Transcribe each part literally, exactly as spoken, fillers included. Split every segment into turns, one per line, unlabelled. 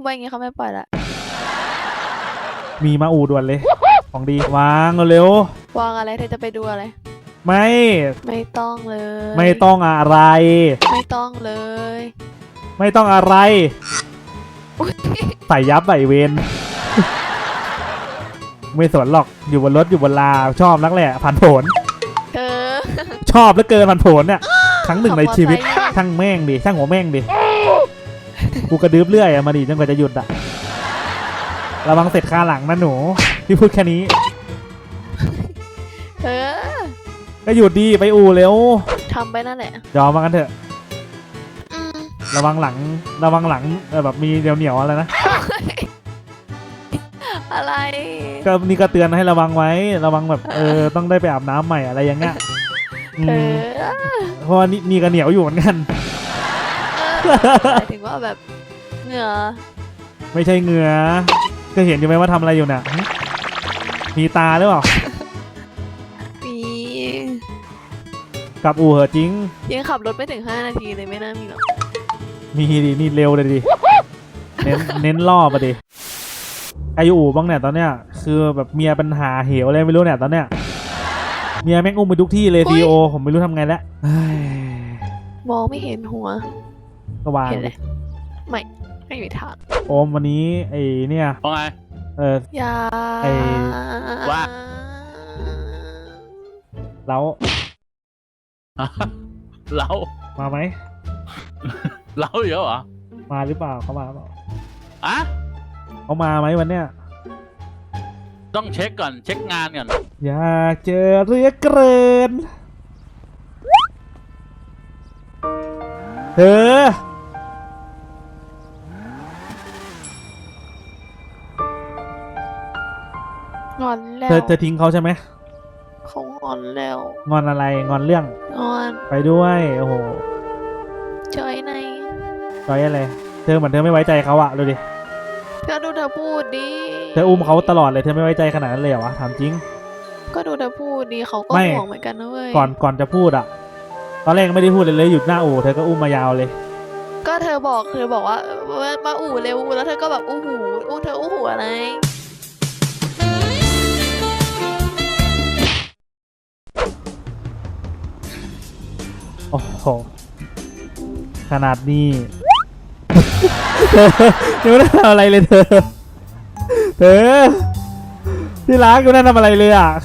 ไปอย่างงี้เขาไม่ปล่อยละ
มีมาอูด่วนเลยของดีวางเร็ว
วางอะไรเธอจะไปดูอะไร
ไม่
ไม่ต้องเลย
ไม่ต้องอะไร
ไม่ต้องเลย
ไม่ต้องอะไรใส่ยับใส่เวนไม่สนหรอกอยู่บนรถอยู่บนลาชอบนักแหละผ่านผล
เธอ
ชอบเหลือเกินผ่านผลเนี่ยครั้งหนึ่งในชีวิตช่างแม่งดิช่างหัวแม่งดิกูกระดืบเรื่อยอะมาดิจนกว่าจะหยุดอะระวังเสร็จคาหลังนะหนูพี่พูดแค่นี้
เธอ
ก็หยุดดีไปอู่เร็ว
ทำไปนั่นแหละ
ยอมมากันเถอะระวังหลังระวังหลังแบบมีเหนียวเหนียวอะไรนะ
อะไร
ก็นี่ก็เตือนให้ระวังไว้ระวังแบบเออต้องได้ไปอาบน้ำใหม่อะไรอย่างเงี้ยเพราะว่านี่นี่ก็เหนียวอยู่เหมือนกัน
หมายถึงว่าแบบเหงื่อ
ไม่ใช่เหงื่อก็เห็นอยู่ไหมว่าทำอะไรอยู่เนี่ยมีตาหรือเปล่า
มี
กับอู่เหอะจริง
ยังขับรถไม่ถึงห้านาทีเลยไม่น่ามีหรอก
มีดินี่เร็วเลยดิเน้นเน้นล่อไปดิอายุอู่บ้างเนี่ยตอนเนี้ยคือแบบเมียปัญหาเหวอะไรไม่รู้เนี่ยตอนเนี้ยเมียแม่งอุ้มไปทุกที่เลยซีโอผมไม่รู้ทำไงแล้ว
มองไม่เห็นหัว
ก็วางเลย
ไม่ไม่มีทาง
โอมวันนี้ไอ้เนี่ย
ว่าไง
เออ
อย่า
ไอ้
ว่า
แล้ว
เรา
มาไหม
เราเยอะเหรอ
มาหรือเปล่าเขามาเปล่า
อะ
เขามาไหมวันเนี้ย
ต้องเช็คก่อนเช็คงานก่อน
อยากเจอเรือเกินเธ
องอนแล้ว
เธอเธอทิ้งเขาใช่ไหม
เขางอนแล้ว
งอนอะไรงอนเรื่อง
งอน
ไปด้วยโอ้โห
จอยใน
จอยอะไรเธอเหมือนเธอไม่ไว้ใจเขาอะดูดิ
ก็ดูเธอพูดดิ
เธออุ้มเขาตลอดเลยเธอไม่ไว้ใจขนาดนั้นเลยเหรอวะถามจริง
ก็ดูเธอพูดดิเขาก็ห่วงเหมือนกันนะเว้ย
ก่อนก่อนจะพูดอะตอนแรกไม่ได้พูดเลยเลยหยุดหน้าอู่เธอก็อุ้มมายาวเลย
ก็เธอบอกเธอบอกว่ามาอู่เร็วแล้วเธอก็แบบอู้หูอู้เธออู้หูอะไร
โอ้โหขนาดนี้ยังไม่ได้ทำอะไรเลยเธอเธอที่รักยังไม่ได้ทำอะไรเลยอ่ะ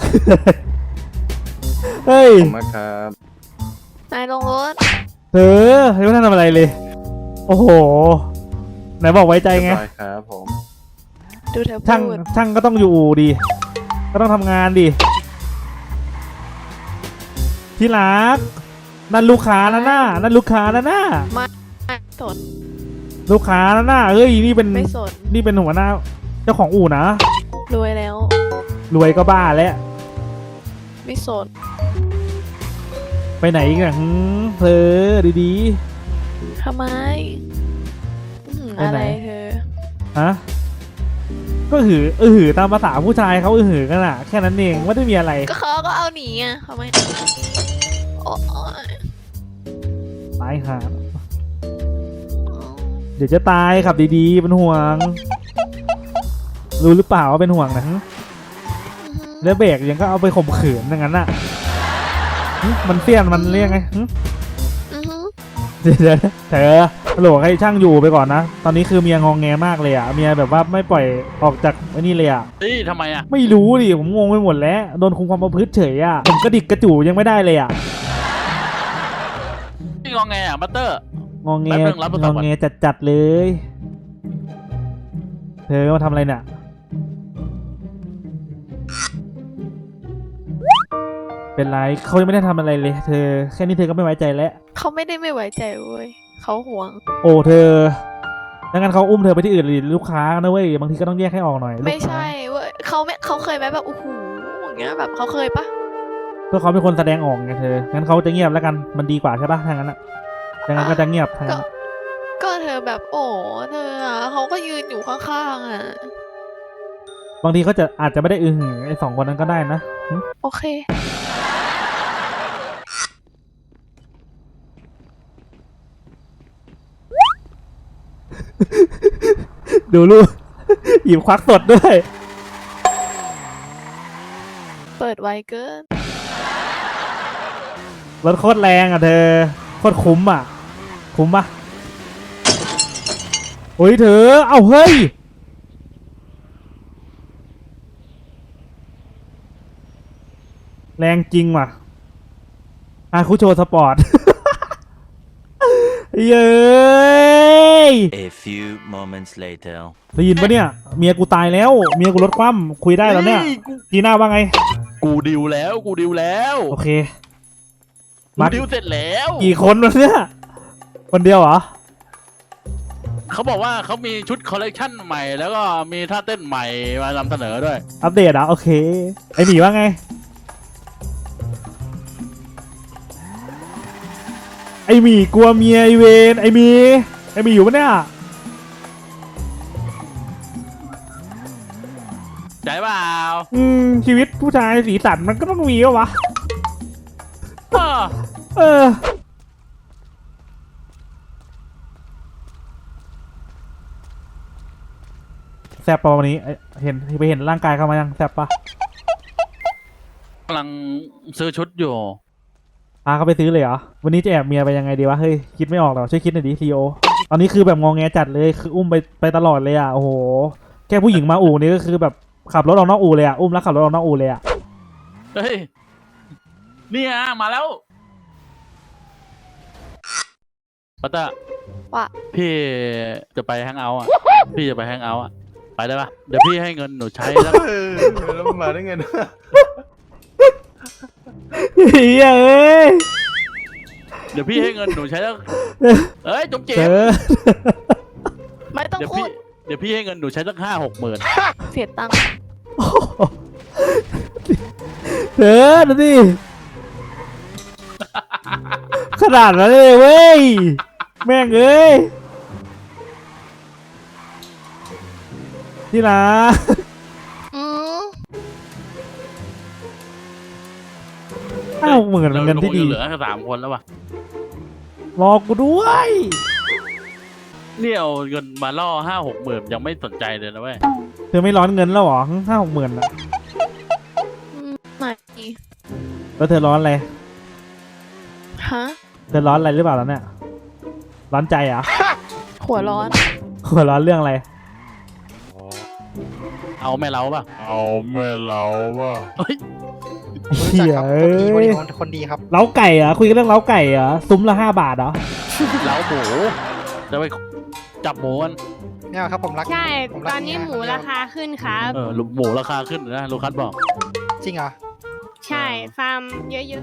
เฮ้ย
ผมมาครับ
นายลงรถ
เธอยังไม่ได้ทำอะไรเลยโอ้โหไหนบอกไว้ใจไง
ครับผม
ดูเธอพูด
ช่างช่างก็ต้องอยู่ดีก็ต้องทำงานดิที่รักนั่นลูกค้านะหน้านั่นลูกค้านะหน้า
ไม่สน
ลูกค้านะหน้าเฮ้ยนี่เป็น
ไม่สน
นี่เป็นหัวหน้าเจ้าของอู่นะ
รวยแล้ว
รวยก็บ้าแล้ว
ไม่สน
ไปไหนอีกอะเธอดี
ๆทำไมอะไรเธอ
ฮะก็หือเออหือตามภาษาผู้ชายเขาเออหือกันอะแค่นั้นเองไม่ได้มีอะไร
ก็เขาก็เอาหนีอ่ะทำไมโอ้ย
ตายหาเดี๋ยวจะตายขับดีๆเป็นห่วงรู้หรือเปล่าว่าเป็นห่วงนะแล้วเบรกยังก็เอาไปข่มขืนอย่างนั้นอะมันเสี้ยนมันเรียกไงเดี๋ยวเธอโหลให้ช่างอยู่ไปก่อนนะตอนนี้คือเมียงองแงมากเลยอ่ะเมียแบบว่าไม่ปล่อยออกจากไอ้นี่เลยอ่ะ
เฮ้ยทำไมอ่ะ
ไม่รู้ดิผมงงไปหมดแล้วโดนคุมความประพฤติเฉยอ่ะผมกระดิกกระจู่ยังไม่ได้เลยอ่ะ
นี่งองแงอ่ะบัตเตอร์
งองแงงองแงจัดๆเลยเธอมาทำอะไรเนี่ยเป็นไรเขายังไม่ได้ทำอะไรเลยเธอแค่นี้เธอก็ไม่ไว้ใจแล้ว
เขาไม่ได้ไม่ไว้ใจเว้ยเขาห่วง
โอ้เธอดังนั้นเขาอุ้มเธอไปที่อื่นหรือลูกค้านะเว้ยบางทีก็ต้องแยกให้ออกหน่อย
ไม่ใช่เว้ยเขาไม่เขาเคยไหมแบบโอ้โหอย่างเงี้ยแบบเขาเคยปะ
เพื่อเขาเป็นคนแสดงออกไงเธองั้นเขาจะเงียบแล้วกันมันดีกว่าใช่ปะทางนั้นอะดังนั้นก็จะเงียบทางนั้น
ก็เธอแบบโอ้เธออ่ะเขาก็ยืนอยู่ข้างๆอ่ะ
บางทีเขาจะอาจจะไม่ได้อือหือไอ้สองคนนั้นก็ได้นะ
โอเค
ดูลูก หยิบควักสดด้วย
เปิดไวเกิน
รถโคตรแรงอ่ะเธอโคตรคุ้มอ่ะคุ้มปะโอ้ยเธอเอาเฮ้ยแรงจริงว่ะอาคุโชสปอร์ต เย้ย
A few moments later.
ได้ยินปะเนี่ยเมียกูตายแล้วเมียกูรถคว่ำคุยได้แล้วเนี่ย
ฮ้กู
จีน่าว่าไง
กูดิวแล้ว กูดิวแล้ว
โอเค
กู
มา
ดิวเสร็จแล้ว
กี่คนวะเนี่ยคนเดียวเหรอ
เขาบอกว่าเขามีชุดคอลเลกชันใหม่ แล้วก็มีท่าเต้นใหม่มานำเสนอด้วย
อัปเดตอ่ะโอเคไอหมีว่าไงไอหมีกลัวเมียไอเวนไอหมีไอหมีอยู่ปะเนี่ย
ใจเปล่า
อืมชีวิตผู้ชายสีสันมันก็ต้องมีวะวะ
อ้อ
เออแซบปะวันนี้ไอ้เห็นไปเห็นร่างกายเขามายังแซบปะ
กำลังซื้อชุดอยู่
พาเขาไปซื้อเลยเหรอวันนี้จะแอบเมียไปยังไงดีวะเฮ้ยคิดไม่ออกหรอช่วยคิดหน่อยดิซีโอตอนนี้คือแบบงองแงจัดเลยคืออุ้มไปไปตลอดเลยอ่ะโอ้โหแค่ผู้หญิงมาอู่นี่ก็คือแบบขับรถออกนอกอู่เลยอ่ะอุ้มแล้วขับรถออกนอกอู่เลยอ่ะ
เฮ้ย เนี่ยมาแล้วปัตตา
ว่า
พี่จะไปแฮงเอาท์อ่ะ พี่จะไปแฮงเอาท์อ่ะ ไปได้ปะเดี๋ยวพี่ให้เงินหนูใช้แล้ว
เออแล้วมันมาได้ไงนะ
เฮ้ยเอ้ย
เดี๋ยวพี่ให้เงินหนูใช้แล้ว เอ้ยจมเจ็
เจ
บ
อ
ไม่ต้อง
เดี๋ยว
พู
พี่
ด
เดี๋ยวพี่ให้เงินหนูใช้สักห้าหกหมื่น
เสียตังค์
เธอดูดิขนาดนั้นเลยเว้ยแม่งเอ้ยที่นะ
อืม
ห้าหกหมื่นเป็นเงินที่ดี
เหลือแค่สามคนแล้ววะ
รอกูด้วย
เนี่ยเอาเงินมาล่อห้าหกหมื่นยังไม่สนใจเลยนะเว้ย
เธอไม่ร้อนเงินแล้วเหรอห้าหกหมื่นอะ
ไม่
แล้วเธอร้อนอะไร
ฮะ
เธอร้อนอะไรหรือเปล่าแล้วเนี่ยร้อนใจเหรอ
หัวร้อน
หัวร้อนเรื่องอะไร
เอาแม่เราป่ะ
เอาแม่เราว่ะ
เฮ้ย
เหี้ย
ค
เอ้
นดีคนดี
ย
คนคนดีครับ
เล้าไก่เหรอคุยกันเรื่องเล้าไก่เหรอซุ้มละห้าบาทเหรอ
เล้าหมูจะไปจับหมูกัน
ไม่เอาครับผมรัก
ใช่
ผมรัก
ตอนนี้
เย
หมูราคาขึ้นครับ
เออหมูราคาขึ้นนะลูคัสบอก
จริงเหรอ
ใช่ ฟาร์มเยอะ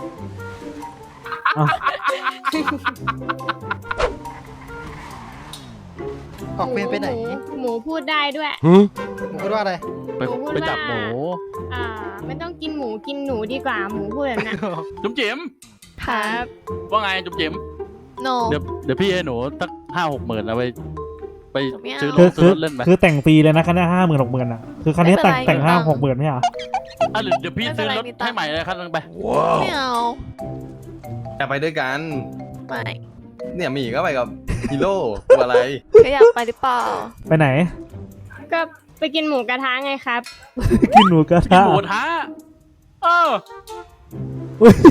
ออกเวรไปไหน
มูหมูพูดได้ด้วย
หมูพูดว่าอะไร
ไป
หมูพูด
ไปจับ
ว่า
หมู
อ่า ไม่ต้องกินหมูกินหนูดีกว่า หมูพูดแบบนั้น
จุ๋มจิ๋ม
ครับ
ว่าไงจุ๋มจิ๋ม
โน
เดี๋ยวเดี๋ยวพี่ให้หนูสักห้าหกหมื่นเอาไปไป
ไม่เอา
ซื้อร
คือ
ถซื้
คือ
อรถเล่นไป
คือแต่งฟรีเลยนะคันนี้ห้าหมื่นหกหมื่นอ่ะคือคันนี้แต่งแต่งห้าหกหมื่นไม่เหรอ
อ่ะเดี๋ยวเดี๋ยวพี่ซื้อรถให้ใหม่เลยคันนึงไป
ไม่เอา
อยากไปด้วยกัน
ไม่
เนี่ยหมีก็ไปกับฮีโร่ตัวอะไร
ก็อยากไปหรือเปล่า
ไปไหน
ก็ไปกินหมูกระทะไงครับ
กินหมูกระ
กิน
ทะ
หมูท้าเออ
อุ๊ย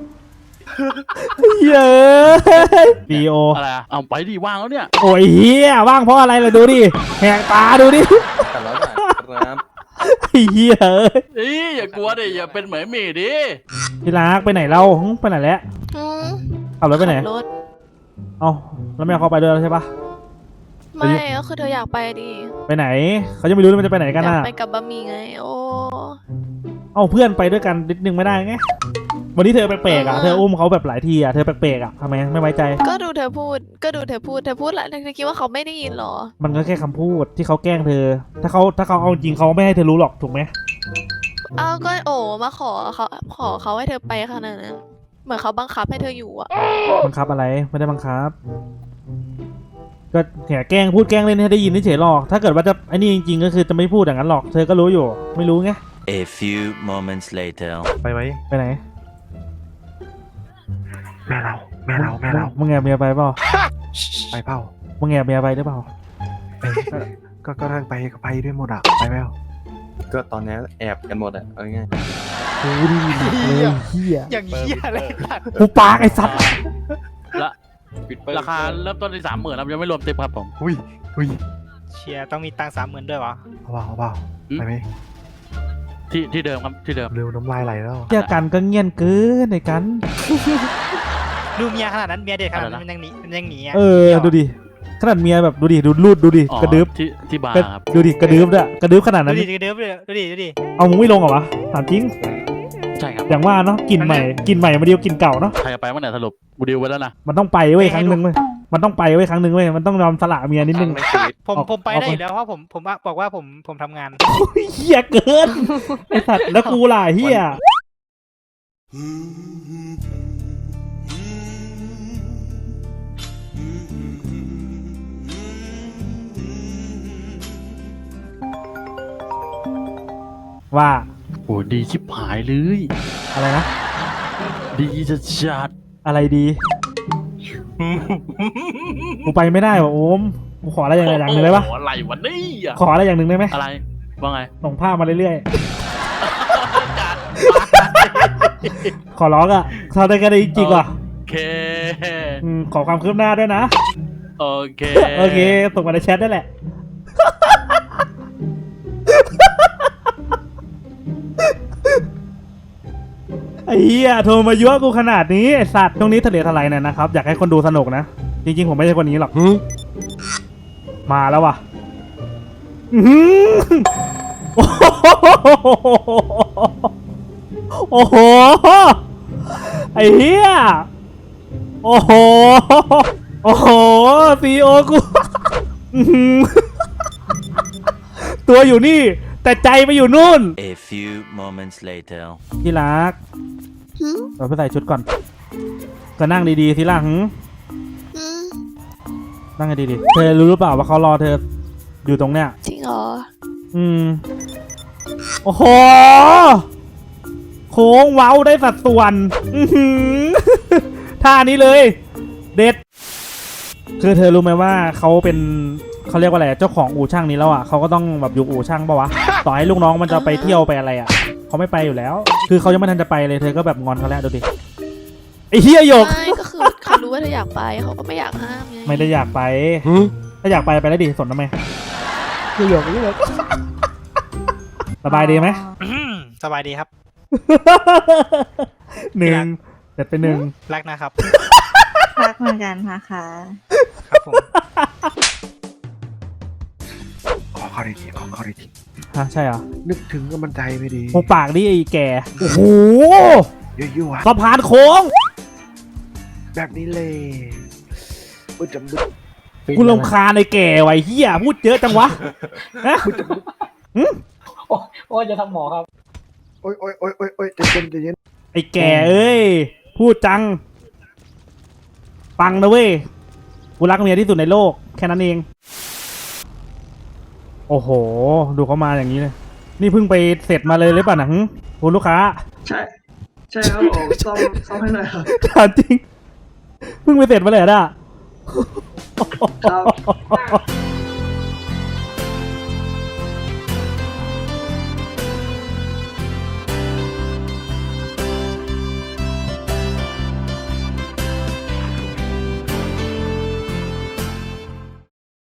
เย้ยดีโอ
อะไรอะเอาไปดิว่างแล้วเนี่ย
โอ้ยเฮียว่างเพราะอะไรล่ะดูดิแหกตาดูดิ
แต่ละบาทครับ
ไอ้เฮียเอ้ย
อีอย่ากลัวดิอย่าเป็นเหมือนหมีดิ
พี่รักไปไหนเราหึไปไหนแล้ว
อืม
ขับรถไปไหน
ขับรถ
เอ้าแล้วไม่เอาเขาไปด้วยแล้วใช่ปะ
ไม่ก็คือเธออยากไปดิ
ไปไหนเขาจะไม่รู้เลยมันจะไปไหน
อ
กัน
ยาก
น่ะ
ไปกับบะหมี่ไง โอ้
เอ้าเพื่อนไปด้วยกันนิดนึงไม่ได้ไงวันนี้เธอแปลกๆอ่ะเธออุ้มเขาแบบหลายทีอ่ะเธอแปลกๆอ่ะทำไมไม่ไว้ใจ
ก็ดูเธอพูด ก็ดูเธอพูด เธอพูดแหละเธอคิดว่าเขาไม่ได้ยินเหรอ
มันก็แค่คำพูดที่เขาแกล้งเธอ ถ้าเขาถ้าเขาเอาจริงเขาไม่ให้เธอรู้หรอกถูกไหม
อ้าวก็โอ้มาขอเขาขอเขาให้เธอไปขนาดนั้น เหมือนเขาบังคับให้เธออยู่อะ
บังคับอะไรไม่ได้บังคับ ก็แหกแกล้งพูดแกล้งเล่นให้ได้ยินเฉยๆหรอกถ้าเกิดว่าจะไอ้นี่จริงๆก็คือจะไม่พูดอย่างนั้นหรอกเธอก็รู้อยู่ ไม่รู้ไง
A few moments later.
ไปไหม
ไปไหน
แม่เราแม่เราแม่เรา
มึงแอบเมียไปเปล่า
ไปเปล่า
มึงแอบเมียไปหรือเปล่า
ก็ก็ทางไปก็ไปด้วยหมดอ่ะไปแล้วก็ตอนนี้แอบกันหมดอ่ะเอาง่าย
กูดีหนักเลยเฮีย
อย่างเหี้ยอะไรสัตว์
กูปากไอ้สัตว์
ละราคาเริ่มต้นที่สามหมื่นครับยังไม่รวมติปครับผม
อุ้ยอุ้ย
เชียร์ต้องมีตังสามหมื่นด้วยวะ
เอาเปล่าเอาเปล่า
อืม
ไปไหม
ที่ที่เดิมครับที่เดิม
เร็วน้ำลายไหลแล้ว
เฮียกันก็เงียนเกินในกัน
ดูเมียขนาดนั้นเมียเด็กขนาดนั้นมันยังหนีมันยังหนีะ
เออดูดิขนาดเมียแบบดูดิดูรูดดูดิ
อ๋อก
ระดึบ
ที่ที่บาร์
กระ
ครับ
ดูดิกระดึบด้วยกระดึบขนาด
ดู
นั้น
ดิดูดิดูดิดูดิ
เอามึงไม่ลงเหรอวะถามจริง
ใช่ครับ
อย่างว่าเนาะกลินใหม่กลินใหม่มาเดียวกลินเก่าเนาะ
ใครจะไปเมื่อไหร่สรุปบูดิวไว้แล้วนะ
มันต้องไปเว้ยครั้งหนึ่งเว้ยมันต้องไปเว้ยครั้งหนึ่งเว้ยมันต้องยอมสละเมียนิดนึง
ผม
ออก
ผมไป
ออก
ได้อยู่แล้วเพราะผมผมบอกว่าผมผมทำงาน
เฮียเกินไอสัตว์แล้วกูล่ะเฮียว่า
โอ้ดีชิบหายเลย
อะไรนะ
ดีจะจัด
อะไรดีกูไปไม่ได้ว่ะโอมกูขออะไรอย่างอย่างหนึ่งได้ปะ
โอ้โหอะไรวะเนี่ย
ขออะไรอย่างหนึ่งได้ไหม
อะไรว่าไง
ส่งภาพมาเรื่อยๆ ขอร้องอ่ะทำได้กันได้จริงๆว่ะ
โอเค
อืมขอความคืบหน้าด้วยนะ
โอเค
โอเค ส่งมาในแชทได้แหละ ไอ้เหี้ยโทรมายั่วกูขนาดนี้ไอ้สัตว์ช่วงนี้ทะเลทลายเนี่ยนะครับ อยากให้คนดูสนุกนะ จริงๆ ผมไม่ใช่คนนี้หรอก มาแล้วว่ะอื้อหือโอ้โห ไอ้เหี้ย โอ้โห โอ้โหซีโอกูอื้อหือตัวอยู่นี่ แต่ใจไปอยู่นู่น
A few moments later.
ที่รัก
หืม
เราไปใส่ชุดก่อน ก็นั่งดีๆสิล่ะหึ
หืม
นั่งให้ดีๆ เธอรู้หรือเปล่าว่าเขารอเธออยู่ตรงเนี้ย
จริงเหรอ
อืม โอ้โห โค้งเว้าได้สัดส่วน อื้อหือ ท่านี้เลย เด็ด คือเธอรู้ไหมว่าเขาเป็นเขาเรียกว่าอะไรเจ้าของอู่ช่างนี้แล้วอ่ะเขาก็ต้องแบบอยู่อู่ช่างปะวะ ต่อให้ลูกน้องมันจะไปเที่ยวไปอะไรอ่ะเขาไม่ไปอยู่แล้ว คือเขายังไม่ทันจะไปเลยเธอก็แบบงอนเขาแล้วดูดิไอ้เฮียหยก
ไม่ก็คือเขารู้ว่าเธออยากไปเขาก็ไม่อยากห้ามไง
ไม่ได้อยากไป ถ้าอยากไปไปแล้วดิสนทำไมเฮียหยกเฮียหยกสบายดีไหม
อื้อสบายดีครับ
หนึ่งเสร็จไปหนึ่ง
รักนะครับ
รักเหมือนกันนะคะ
ครับผม
ขอเข้าดีทีขอเข้าดีที
ฮะใช่เหรอ
นึกถึงก็มันใจไม่ดี
หูปากดิไอ้แก่โอ้โห
ยั่ว
สะพานโค้ง
ๆแบบนี้เลยบึ้ดจำบึ้ด
กูรำคาญไอ้แก่ไว้เฮียพูดเยอะจังวะฮะ
โอ้ยจะทำหมอครับ
โอ้ยโอ้ยโอ้ยโอ้ยโอ้ยใจเย็นใจเย็น
ไอ้แก่เอ้ยพูดจังฟังนะเว้ยกูรักเมียที่สุดในโลกแค่นั้นเองโอ้โห ดูเขามาอย่างนี้เลยนี่เพิ่งไปเสร็จมาเลยหรือเปล่าหนังคุณลูกค้า
ใช่ ใช่ครับผมซ่อมซ่อมให้หน่อยครับ
ถามจริงเพิ่งไปเสร็จมาเลยอะด่ะ
ครับ